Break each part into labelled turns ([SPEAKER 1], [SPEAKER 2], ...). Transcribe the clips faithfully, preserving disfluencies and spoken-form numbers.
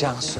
[SPEAKER 1] Cansu.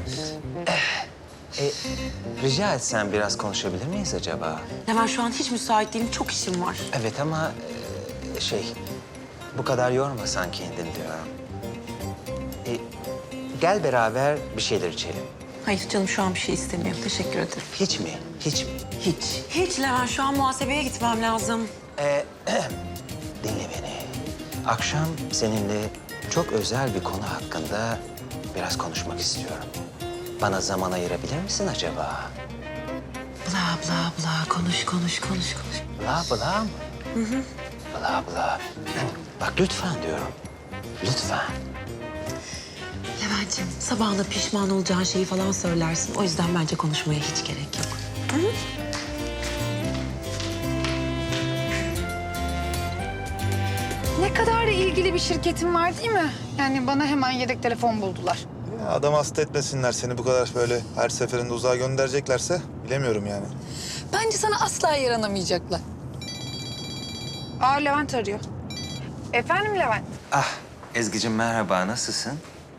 [SPEAKER 1] e, rica etsem biraz konuşabilir miyiz acaba?
[SPEAKER 2] Levent şu an hiç müsait değilim. Çok işim var.
[SPEAKER 1] Evet ama e, şey... Bu kadar yormasan kendini diyorum. E, gel beraber bir şeyler içelim.
[SPEAKER 2] Hayır canım şu an bir şey istemiyorum. Teşekkür ederim.
[SPEAKER 1] Hiç mi? Hiç mi?
[SPEAKER 2] Hiç. Hiç Levent şu an muhasebeye gitmem lazım.
[SPEAKER 1] Ee, dinle beni. Akşam seninle çok özel bir konu hakkında biraz konuşmak istiyorum. Bana zaman ayırabilir misin acaba?
[SPEAKER 2] Bla bla bla konuş konuş konuş konuş.
[SPEAKER 1] Bla bla mı? Hı hı. Bla bla. Bak lütfen diyorum. Lütfen.
[SPEAKER 2] Levent'ciğim sabahında pişman olacağın şeyi falan söylersin. O yüzden bence konuşmaya hiç gerek yok. Hı hı.
[SPEAKER 3] Ne kadar da ilgili bir şirketin var değil mi? Yani bana hemen yedek telefon buldular.
[SPEAKER 4] Ya adam hasta etmesinler seni bu kadar böyle her seferinde uzağa göndereceklerse bilemiyorum yani.
[SPEAKER 3] Bence sana asla yaranamayacaklar. Aa Levent arıyor. Efendim Levent?
[SPEAKER 1] Ah Ezgi'cim merhaba, nasılsın?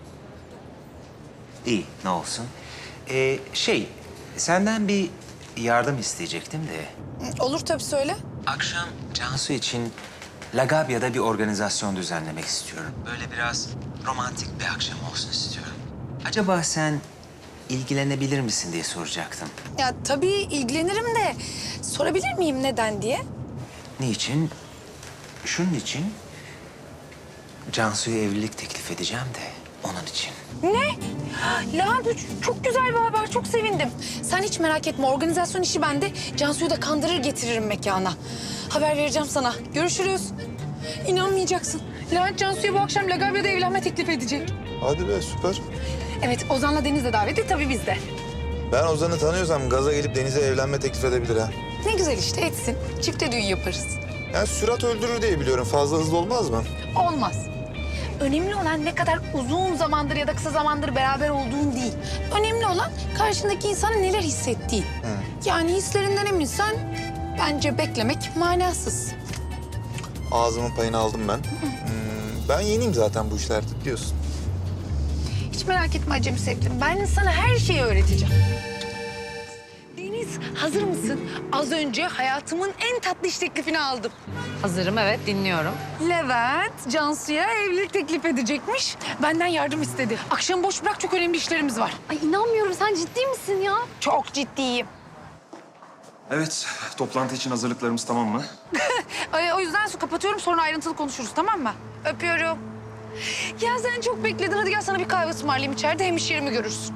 [SPEAKER 1] İyi, ne olsun. Ee, şey, senden bir yardım isteyecektim de.
[SPEAKER 3] Olur tabii söyle.
[SPEAKER 1] Akşam Cansu için Lagabya'da bir organizasyon düzenlemek istiyorum. Böyle biraz romantik bir akşam olsun istiyorum. Acaba sen ilgilenebilir misin diye soracaktım.
[SPEAKER 3] Ya tabii ilgilenirim de sorabilir miyim neden diye?
[SPEAKER 1] Niçin? Şunun için. Cansu'ya evlilik teklif edeceğim de onun için.
[SPEAKER 3] Ne? Levent bu çok güzel bir haber. Çok sevindim. Sen hiç merak etme. Organizasyon işi bende. Cansu'yu da kandırır getiririm mekana. Haber vereceğim sana. Görüşürüz. İnanmayacaksın. Levent Cansu'ya bu akşam Lagabya'da evlenme teklif edecek.
[SPEAKER 4] Hadi be süper.
[SPEAKER 3] Evet Ozan'la Deniz de davetli. Tabii biz de.
[SPEAKER 4] Ben Ozan'ı tanıyorsam gaza gelip Deniz'e evlenme teklif edebilir ha.
[SPEAKER 3] Ne güzel işte etsin. Çifte düğün yaparız.
[SPEAKER 4] Yani sürat öldürür diye biliyorum. Fazla hızlı olmaz mı?
[SPEAKER 3] Olmaz. Önemli olan ne kadar uzun zamandır ya da kısa zamandır beraber olduğun değil. Önemli olan karşındaki insanın neler hissettiği. Yani hislerinden eminsen bence beklemek manasız.
[SPEAKER 4] Ağzımın payını aldım ben. Hmm, ben yeniyim zaten bu işlerde biliyorsun.
[SPEAKER 3] Hiç merak etme acemi sevgilim. Ben sana her şeyi öğreteceğim. Deniz hazır mısın? Az önce hayatımın en tatlı iş teklifini aldım.
[SPEAKER 5] Hazırım, evet, dinliyorum.
[SPEAKER 3] Levent Cansu'ya evlilik teklif edecekmiş. Benden yardım istedi. Akşam boş bırak, çok önemli işlerimiz var.
[SPEAKER 5] Ay inanmıyorum, sen ciddi misin ya?
[SPEAKER 3] Çok ciddiyim.
[SPEAKER 6] Evet, toplantı için hazırlıklarımız tamam mı?
[SPEAKER 3] Ay, o yüzden su kapatıyorum, sonra ayrıntılı konuşuruz, tamam mı? Öpüyorum. Ya sen çok bekledin. Hadi gel sana bir kahve ısmarlayayım içeride. Hem iş yerimi görürsün.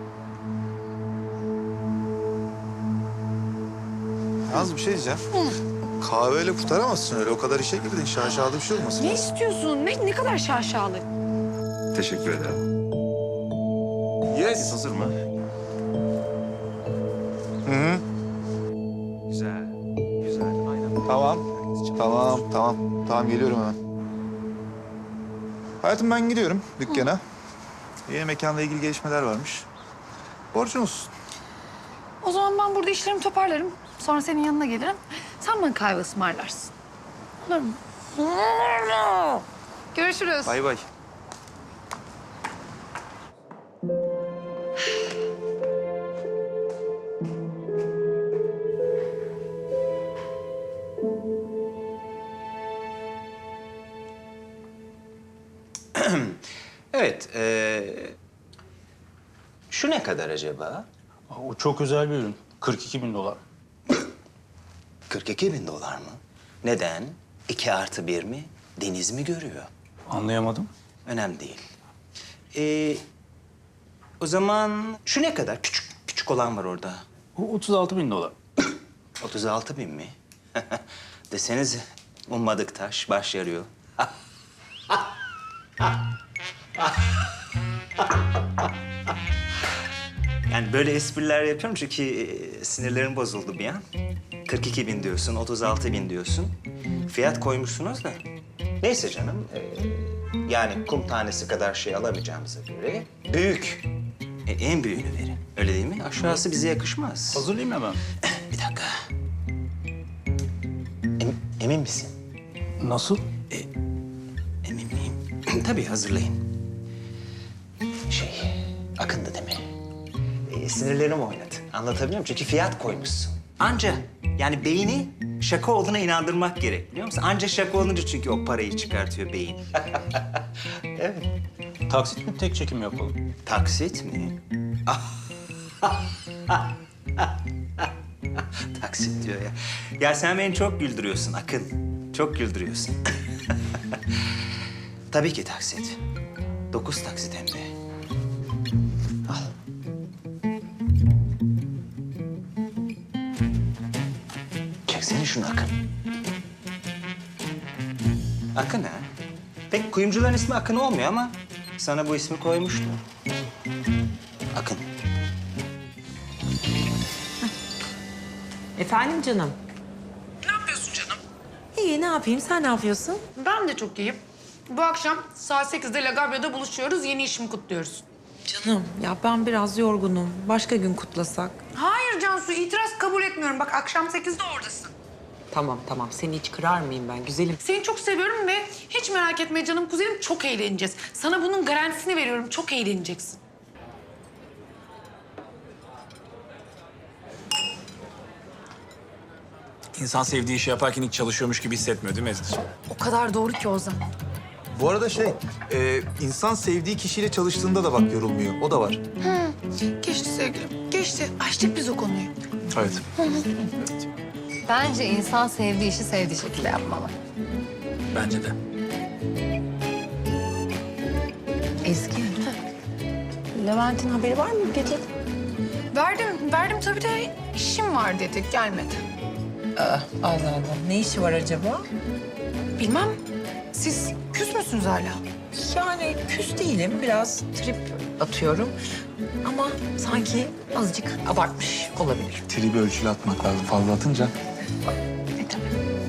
[SPEAKER 4] Yalnız bir şey diyeceğim. Kahveyle kurtaramazsın öyle. O kadar işe girdin. Şaşalı bir şey olmasın.
[SPEAKER 3] Ne istiyorsun? Ne, ne kadar şaşalı.
[SPEAKER 6] Teşekkür ederim. Yes. Hazır mı?
[SPEAKER 4] Hı hı.
[SPEAKER 6] Güzel, güzel. Aynen.
[SPEAKER 4] Tamam. Tamam, tamam. Tamam geliyorum hemen. Hayatım ben gidiyorum dükkana. Yeni mekanla ilgili gelişmeler varmış. Borcun olsun.
[SPEAKER 3] O zaman ben burada işlerimi toparlarım. Sonra senin yanına gelirim. Sen bana kahve ısmarlarsın. Olur mu? Görüşürüz.
[SPEAKER 4] Bay bay.
[SPEAKER 1] Evet, ee, şu ne kadar acaba?
[SPEAKER 7] O çok özel bir ürün. kırk iki bin dolar.
[SPEAKER 1] kırk iki bin dolar mı? Neden? İki artı bir mi? Deniz mi görüyor?
[SPEAKER 7] Anlayamadım.
[SPEAKER 1] Önemli değil. Ee, o zaman şu ne kadar? Küçük, küçük olan var orada.
[SPEAKER 7] O otuz altı bin dolar.
[SPEAKER 1] otuz altı bin mi? Desenize, ummadık taş baş yarıyor. Yani böyle espriler yapıyorum çünkü e, sinirlerim bozuldu bir an. kırk iki bin diyorsun, otuz altı bin diyorsun. Fiyat koymuşsunuz da. Neyse canım, e, yani kum tanesi kadar şey alamayacağımıza göre büyük. E, en büyüğünü verin, öyle değil mi? Aşağısı bize yakışmaz.
[SPEAKER 7] Hazırlayayım hemen.
[SPEAKER 1] Bir dakika. Em- emin misin?
[SPEAKER 7] Nasıl?
[SPEAKER 1] Emin miyim? Tabii hazırlayın. Şey, e, sinirlerim oynadı. Anlatabiliyor muyum? Çünkü fiyat koymuşsun. Anca yani beyni şaka olduğuna inandırmak gerek biliyor musun? Anca şaka olunca çünkü o parayı çıkartıyor beyin. Evet.
[SPEAKER 7] Taksit mi tek çekim yapalım?
[SPEAKER 1] Taksit mi? Taksit diyor ya. Ya sen beni çok güldürüyorsun Akın. Çok güldürüyorsun. Tabii ki taksit. Dokuz taksit hem de. Al. Çeksene şunu Akın. Akın ha? Pek kuyumcuların ismi Akın olmuyor ama sana bu ismi koymuştu. Akın.
[SPEAKER 2] Efendim canım?
[SPEAKER 3] Ne yapıyorsun canım?
[SPEAKER 2] İyi, ne yapayım? Sen ne yapıyorsun?
[SPEAKER 3] Ben de çok iyiyim. Bu akşam saat sekizde Lagabio'da buluşuyoruz. Yeni işimi kutluyoruz.
[SPEAKER 2] Canım, ya ben biraz yorgunum. Başka gün kutlasak.
[SPEAKER 3] Hayır Cansu, itiraz kabul etmiyorum. Bak akşam sekizde oradasın.
[SPEAKER 2] Tamam, tamam. Seni hiç kırar mıyım ben güzelim?
[SPEAKER 3] Seni çok seviyorum ve hiç merak etme canım kuzenim, çok eğleneceğiz. Sana bunun garantisini veriyorum, çok eğleneceksin.
[SPEAKER 6] İnsan sevdiği işi yaparken hiç çalışıyormuş gibi hissetmiyor değil mi Ezgi?
[SPEAKER 3] O kadar doğru ki Ozan.
[SPEAKER 4] Bu arada şey, e, insan sevdiği kişiyle çalıştığında da bak yorulmuyor. O da var.
[SPEAKER 3] Geçti sevgilim, geçti. Açtık biz o konuyu.
[SPEAKER 4] Evet.
[SPEAKER 5] Bence insan sevdiği işi sevdiği şekilde yapmalı.
[SPEAKER 6] Bence de.
[SPEAKER 2] Ezgi. Levent'in haberi var mı gece?
[SPEAKER 3] Verdim, verdim tabii de işim var dedi, gelmedi.
[SPEAKER 2] Allah Allah. Ne işi var acaba?
[SPEAKER 3] Bilmem, siz küs müsünüz hala?
[SPEAKER 2] Yani küs değilim. Biraz trip atıyorum. Ama sanki azıcık abartmış olabilir.
[SPEAKER 4] Tribi ölçülü atmak lazım. Fazla atınca.
[SPEAKER 3] E tabii.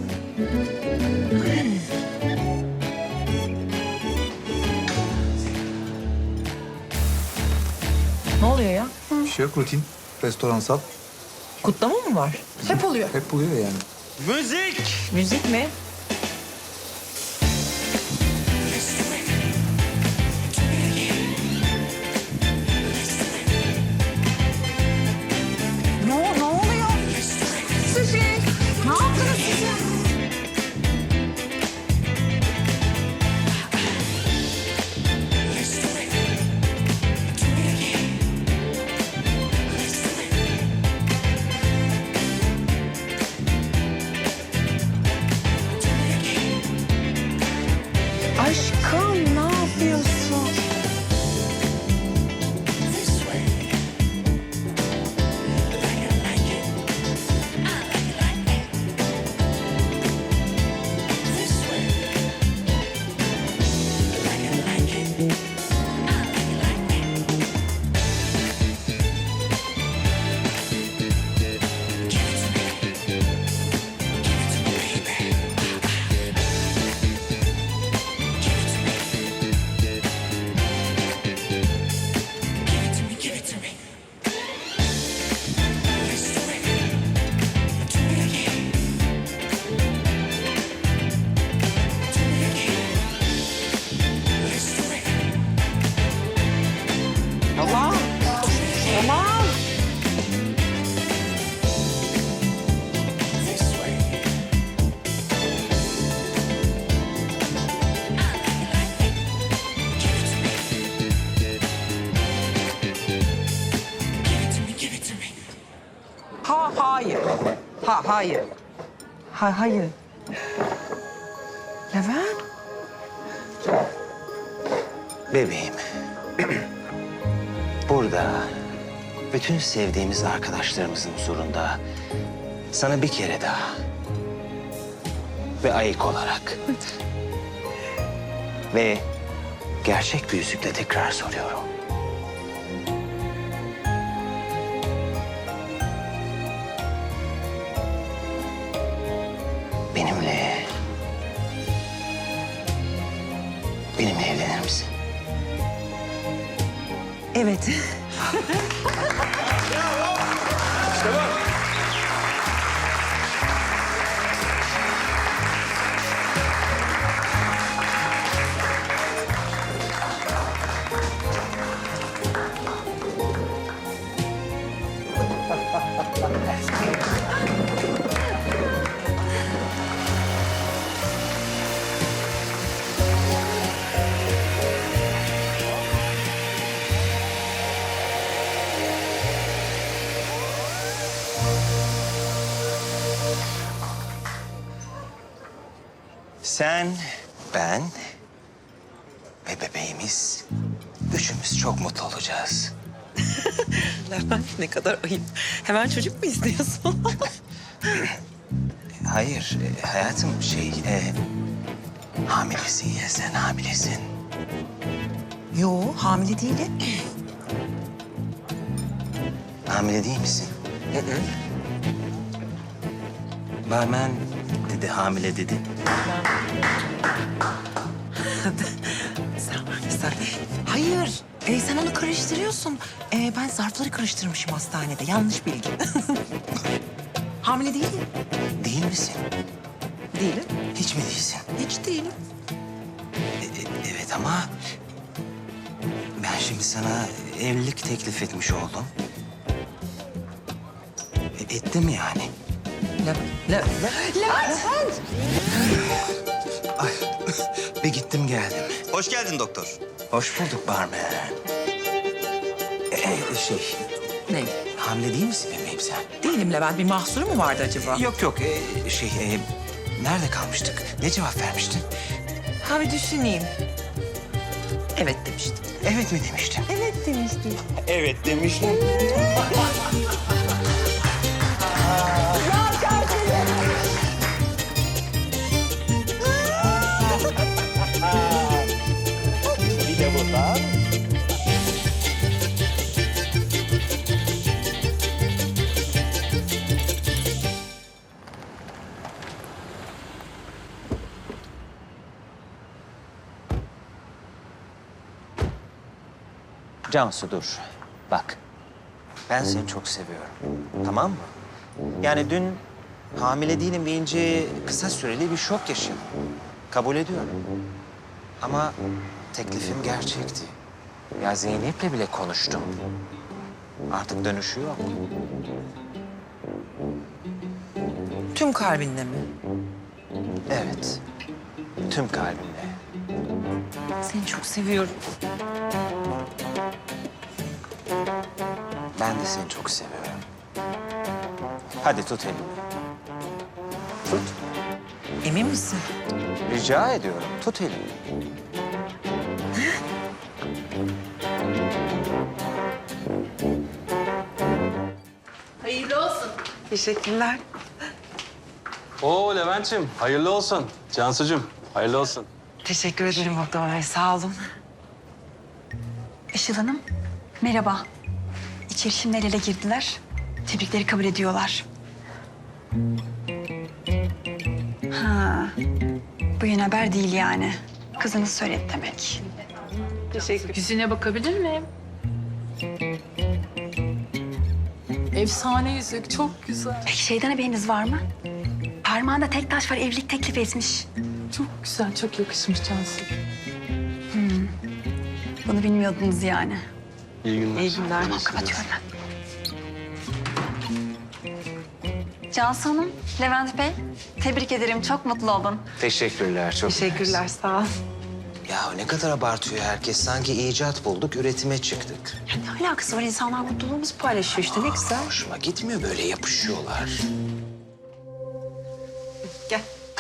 [SPEAKER 2] Ne oluyor ya?
[SPEAKER 4] Bir şey yok, rutin. Restoransal.
[SPEAKER 2] Kutlama mı var?
[SPEAKER 3] Hep oluyor.
[SPEAKER 4] Hep buluyor yani.
[SPEAKER 1] Müzik!
[SPEAKER 2] Müzik mi?
[SPEAKER 3] Ne, ne oluyor? Sushi, ne yaptınız siz? Aşkım, ne yapıyorsun?
[SPEAKER 2] Tamam. Tamam. Ha hayır. Ha hayır. Ha hayır. Levent.
[SPEAKER 1] Bebeğim. Burada bütün sevdiğimiz arkadaşlarımızın huzurunda sana bir kere daha ve ayık olarak ve gerçek bir yüzükle tekrar soruyorum. Benimle benimle evlenir misin?
[SPEAKER 2] Evet.
[SPEAKER 1] Sen, ben ve bebeğimiz üçümüz çok mutlu olacağız.
[SPEAKER 2] Levent ne kadar ayıp. Hemen çocuk mu istiyorsun?
[SPEAKER 1] Hayır e, hayatım şey... E, hamilesin ya sen hamilesin.
[SPEAKER 2] Yo, hamile değilim.
[SPEAKER 1] Hamile değil misin?
[SPEAKER 2] Hı hı.
[SPEAKER 1] Barmen dedi hamile dedi.
[SPEAKER 2] Sen var ya sen. Hayır, e, sen onu karıştırıyorsun. E, ben zarfları karıştırmışım hastanede. Yanlış bilgi. Hamile değilim.
[SPEAKER 1] Değil misin?
[SPEAKER 2] Değilim.
[SPEAKER 1] Hiç mi değilsin?
[SPEAKER 2] Hiç değilim.
[SPEAKER 1] E, e, evet ama ben şimdi sana evlilik teklif etmiş oldum. E, ettim yani.
[SPEAKER 2] Levent, Levent. Levent!
[SPEAKER 1] Ay, bir gittim geldim. Hoş geldin doktor. Hoş bulduk barmen. Ee, şey,
[SPEAKER 2] Ne?
[SPEAKER 1] hamile değil misin bebeğim sen?
[SPEAKER 2] Değilim Levent. Bir mahsuru mu vardı acaba?
[SPEAKER 1] Yok yok, ee, şey, ee, nerede kalmıştık? Ne cevap vermiştin?
[SPEAKER 2] Ha bir düşüneyim. Evet demiştim.
[SPEAKER 1] Evet mi demiştin?
[SPEAKER 2] Evet demiştim.
[SPEAKER 1] Evet demiştim. Bir de buradan. Cansu dur. Bak. Ben seni çok seviyorum. Tamam mı? Yani dün hamile değilim deyince kısa süreli bir şok yaşadım. Kabul ediyorum. Ama teklifim gerçekti. Ya Zeynep'le bile konuştum. Artık dönüşü yok.
[SPEAKER 2] Tüm kalbinle mi?
[SPEAKER 1] Evet. Tüm kalbimle.
[SPEAKER 2] Seni çok seviyorum.
[SPEAKER 1] Ben de seni çok seviyorum. Hadi tut elimi. Tut.
[SPEAKER 2] Emin misin?
[SPEAKER 1] Rica ediyorum. Tut elimi.
[SPEAKER 2] Teşekkürler.
[SPEAKER 7] Oo Levent'ciğim, hayırlı olsun. Cansucuğum, hayırlı olsun.
[SPEAKER 2] Teşekkür ederim doktor bey. Sağ olun.
[SPEAKER 8] Işıl Hanım, merhaba. İçeri şimdi el ele girdiler. Tebrikleri kabul ediyorlar. Ha, bu yeni haber değil yani. Kızınız söyledi demek.
[SPEAKER 9] Yüzüne bakabilir miyim? Efsane yüzük, çok güzel.
[SPEAKER 8] Peki şeyden haberiniz var mı? Parmağında tek taş var, evlilik teklif etmiş.
[SPEAKER 9] Çok güzel, çok yakışmış Cansu.
[SPEAKER 8] Bunu bilmiyordunuz yani.
[SPEAKER 7] İyi günler.
[SPEAKER 2] İyi günler.
[SPEAKER 8] Tamam, kapatıyorum ben. Cansu Hanım, Levent Bey, tebrik ederim. Çok mutlu oldum.
[SPEAKER 1] Teşekkürler. Çok
[SPEAKER 2] Teşekkürler. Sağ ol.
[SPEAKER 1] Ya ne kadar abartıyor herkes. Sanki icat bulduk, üretime çıktık.
[SPEAKER 2] Ya ne alakası var? İnsanlar mutluluğumuzu paylaşıyor işte. Ne güzel.
[SPEAKER 1] Hoşuma gitmiyor böyle yapışıyorlar.
[SPEAKER 2] Gel.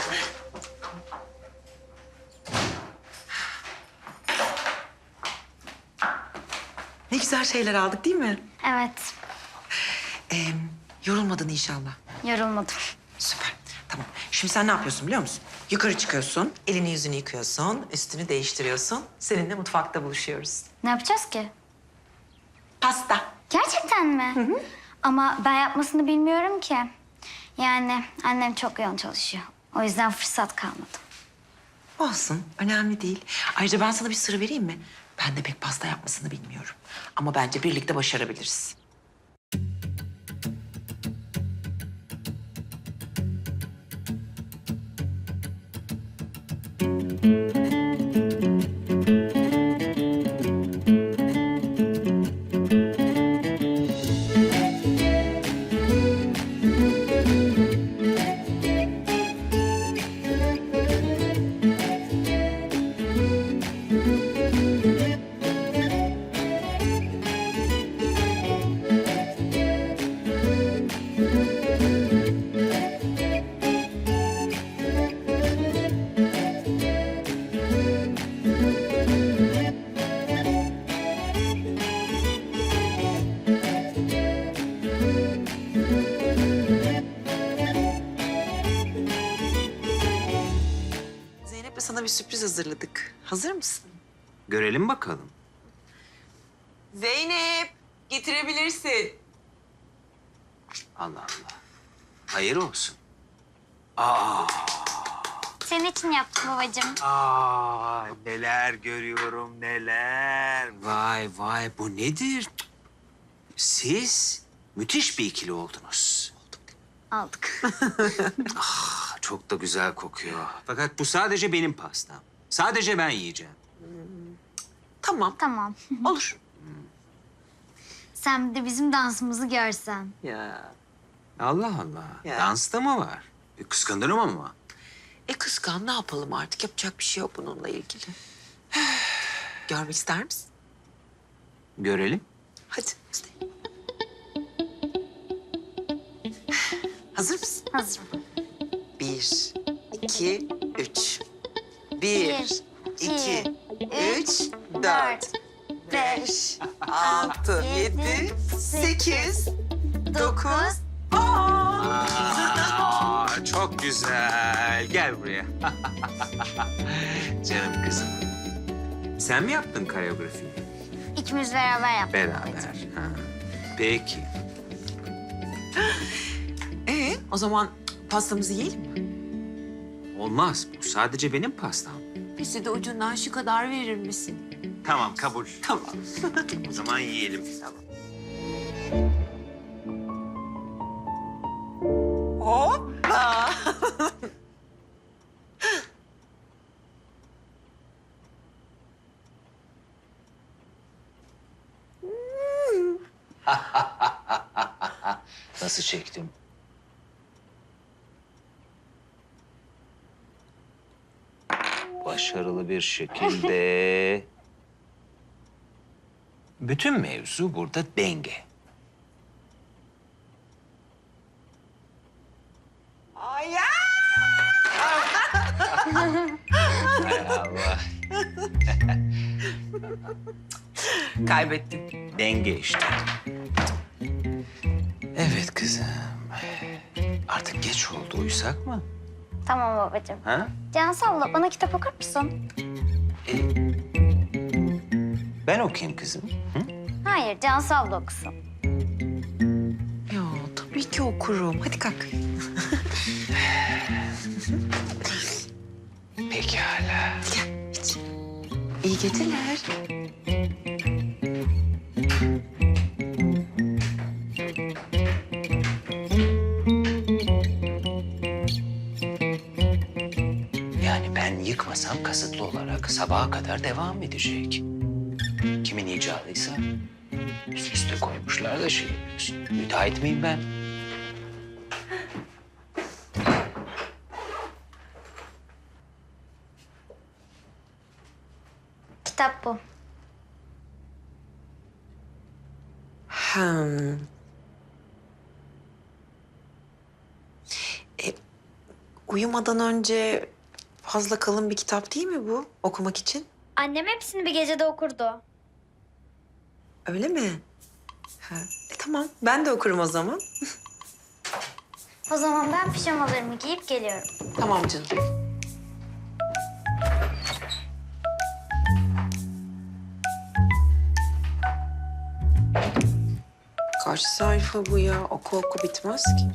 [SPEAKER 2] Ne güzel şeyler aldık değil mi?
[SPEAKER 10] Evet,
[SPEAKER 2] Ee, yorulmadın inşallah.
[SPEAKER 10] yorulmadım.
[SPEAKER 2] Süper. Tamam. Şimdi sen ne yapıyorsun biliyor musun? Yukarı çıkıyorsun, elini yüzünü yıkıyorsun, üstünü değiştiriyorsun. Seninle mutfakta buluşuyoruz.
[SPEAKER 10] Ne yapacağız ki?
[SPEAKER 2] Pasta.
[SPEAKER 10] Gerçekten mi? Ama ben yapmasını bilmiyorum ki. Yani annem çok yoğun çalışıyor. O yüzden fırsat kalmadı.
[SPEAKER 2] Olsun, önemli değil. Ayrıca ben sana bir sır vereyim mi? Ben de pek pasta yapmasını bilmiyorum. Ama bence birlikte başarabiliriz. Zeynep'le sana bir sürpriz hazırladık. Hazır mısın?
[SPEAKER 1] Görelim bakalım.
[SPEAKER 2] Zeynep, getirebilirsin.
[SPEAKER 1] Allah Allah. Hayır olsun. Aa,
[SPEAKER 10] Senin için yaptım babacığım.
[SPEAKER 1] aa, neler görüyorum neler. Vay vay bu nedir? Siz müthiş bir ikili oldunuz.
[SPEAKER 10] Aldık.
[SPEAKER 1] Ah, çok da güzel kokuyor. Fakat bu sadece benim pastam. Sadece ben yiyeceğim.
[SPEAKER 2] Tamam,
[SPEAKER 10] Tamam.
[SPEAKER 2] olur.
[SPEAKER 10] Sen bir de bizim dansımızı görsen.
[SPEAKER 2] Ya.
[SPEAKER 1] Allah Allah.
[SPEAKER 2] Ya.
[SPEAKER 1] Dansta mı var? E, kıskanırım ama.
[SPEAKER 2] E kıskan, ne yapalım artık? Yapacak bir şey yok bununla ilgili. Görmek ister misin?
[SPEAKER 1] Görelim.
[SPEAKER 2] Hadi. Hazır mısın?
[SPEAKER 10] Hazırım.
[SPEAKER 2] Bir, iki, üç. Bir,
[SPEAKER 10] Bir,
[SPEAKER 2] iki, üç, dört,
[SPEAKER 10] dört, beş,
[SPEAKER 2] altı,
[SPEAKER 10] yedi,
[SPEAKER 2] yedi, sekiz, dokuz,
[SPEAKER 1] Aa, çok güzel. Gel buraya. Canım kızım. Sen mi yaptın koreografiyi?
[SPEAKER 10] İkimiz beraber yaptık.
[SPEAKER 1] Beraber. Ha. Peki.
[SPEAKER 2] Ee, o zaman pastamızı yiyelim mi?
[SPEAKER 1] Olmaz. Bu sadece benim pastam.
[SPEAKER 2] Bize de ucundan şu kadar verir misin?
[SPEAKER 1] Tamam, kabul.
[SPEAKER 2] Tamam.
[SPEAKER 1] O zaman yiyelim.
[SPEAKER 2] Hoppa!
[SPEAKER 1] Nasıl çektim? Başarılı bir şekilde. Bütün mevzu burada denge.
[SPEAKER 2] Ay ya!
[SPEAKER 1] Hay Allah.
[SPEAKER 2] Kaybettim.
[SPEAKER 1] Denge işte. Evet kızım. Artık geç oldu. Uyusak mı?
[SPEAKER 10] Tamam babacığım.
[SPEAKER 1] Ha?
[SPEAKER 10] Cansu abla bana kitap okur musun?
[SPEAKER 1] E, ben okuyayım kızım. Hı?
[SPEAKER 10] Hayır, Cansu abla okusun.
[SPEAKER 2] Ya tabii ki okurum. Hadi kalk.
[SPEAKER 1] Pekala.
[SPEAKER 2] İyi geceler.
[SPEAKER 1] Yani ben yıkmasam kasıtlı olarak sabaha kadar devam edecek. Kimin icadıysa üst üste koymuşlar da şey yapıyorsun. Müteahhit miyim ben?
[SPEAKER 10] Kitap bu.
[SPEAKER 2] Hmm. E, uyumadan önce fazla kalın bir kitap değil mi bu okumak için?
[SPEAKER 10] Annem hepsini bir gecede okurdu.
[SPEAKER 2] Öyle mi? Ha. E, tamam, ben de okurum o zaman.
[SPEAKER 10] O zaman ben pijamalarımı giyip geliyorum.
[SPEAKER 2] Tamam canım. Kaç sayfa bu ya? Oku oku bitmez ki.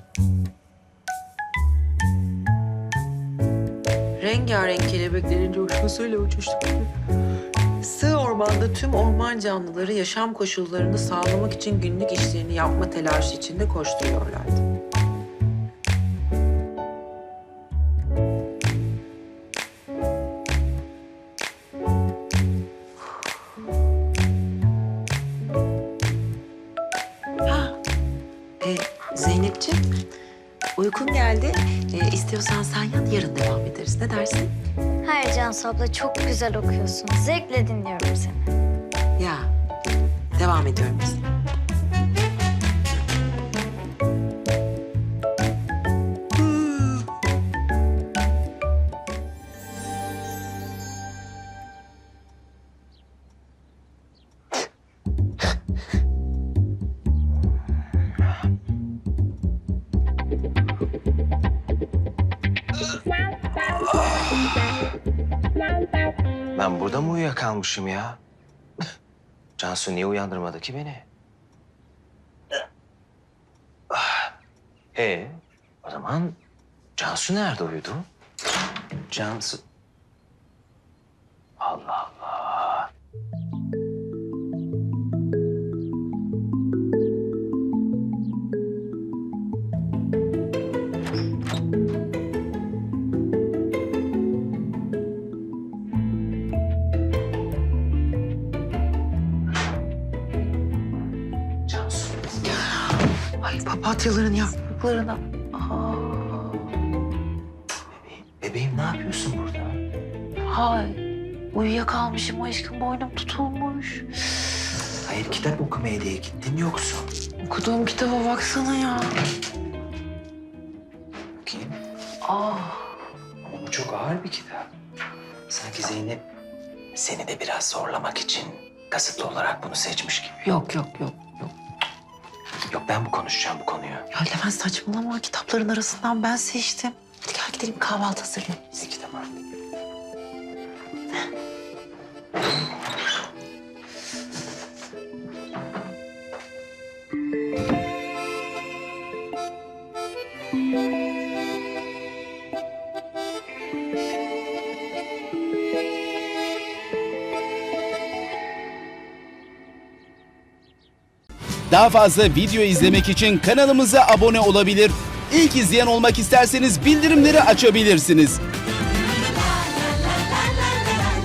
[SPEAKER 2] Rengarenk kelebeklerin coşkusuyla uçuştuk. Sığ ormanda tüm orman canlıları yaşam koşullarını sağlamak için günlük işlerini yapma telaşı içinde koşturuyorlardı. Ha, e, Zeynepciğim, uykun geldi. E, istiyorsan sen yat, yarın devam ederiz. Ne dersin?
[SPEAKER 10] Hayır Cansu abla çok güzel okuyorsun. Zevkle dinliyorum seni.
[SPEAKER 2] Ya, devam ediyorum biz.
[SPEAKER 1] Ben burada mı uyuyakalmışım ya? Cansu niye uyandırmadı ki beni? Ah. E o zaman Cansu nerede uyudu? Cansu... Allah Allah. Cansu.
[SPEAKER 2] Ay papatyaların yapraklarına. Aa,
[SPEAKER 1] Bebeğim, bebeğim ne yapıyorsun burada?
[SPEAKER 2] hay. Uyuyakalmışım aşkım, boynum tutulmuş.
[SPEAKER 1] Hayır, kitap okumaya diye gittin yoksa.
[SPEAKER 2] Okuduğum kitaba baksana ya.
[SPEAKER 1] Bakayım.
[SPEAKER 2] Aa,
[SPEAKER 1] Ama bu çok ağır bir kitap. Sanki Zeynep seni de biraz zorlamak için kasıtlı olarak bunu seçmiş gibi.
[SPEAKER 2] yok yok yok yok.
[SPEAKER 1] Yok, ben bu konuşacağım bu konuyu.
[SPEAKER 2] Ya Levent saçmalama, kitapların arasından ben seçtim. Hadi gel gidelim kahvaltı hazırlayalım.
[SPEAKER 1] Peki tamam.
[SPEAKER 11] Daha fazla video izlemek için kanalımıza abone olabilir. İlk izleyen olmak isterseniz bildirimleri açabilirsiniz.